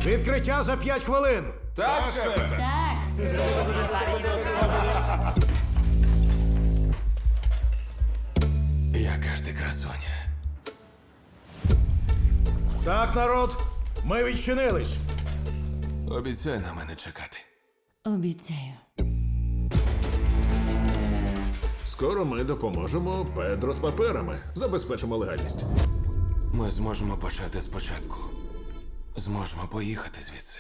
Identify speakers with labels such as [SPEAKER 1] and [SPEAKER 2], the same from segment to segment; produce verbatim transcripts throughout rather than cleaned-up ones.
[SPEAKER 1] Відкриття за п'ять хвилин.
[SPEAKER 2] Так, шефе.
[SPEAKER 3] Так.
[SPEAKER 2] Яка ж ти красуня.
[SPEAKER 1] Так, народ, ми відчинились.
[SPEAKER 2] Обіцяй на мене чекати.
[SPEAKER 3] Обіцяю.
[SPEAKER 4] Скоро ми допоможемо Педро з паперами. Забезпечимо легальність.
[SPEAKER 2] Ми зможемо почати спочатку. Зможемо поїхати звідси.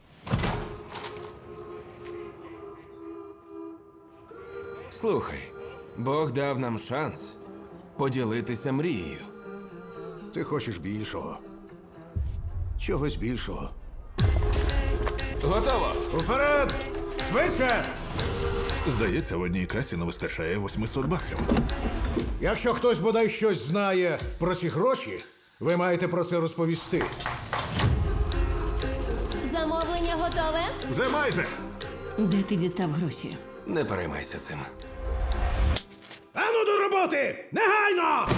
[SPEAKER 2] Слухай, Бог дав нам шанс поділитися мрією.
[SPEAKER 1] Ти хочеш більшого. Чогось більшого.
[SPEAKER 2] Готово!
[SPEAKER 1] Уперед! Швидше!
[SPEAKER 4] Здається, в одній касі не вистачає восьмисот баксів.
[SPEAKER 1] Якщо хтось бодай щось знає про ці гроші, ви маєте про це розповісти.
[SPEAKER 3] Замовлення готове?
[SPEAKER 4] Вже майже.
[SPEAKER 3] Де ти дістав гроші?
[SPEAKER 2] Не переймайся цим.
[SPEAKER 1] Ану до роботи! Негайно!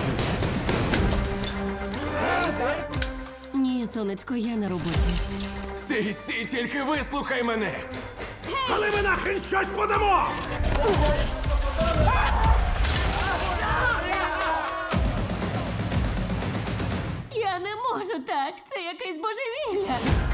[SPEAKER 3] Ні, сонечко, я на роботі.
[SPEAKER 2] Сій, сій, тільки вислухай мене!
[SPEAKER 1] Але ми нахрен щось подамо!
[SPEAKER 3] Я не можу так. Це якесь божевілля.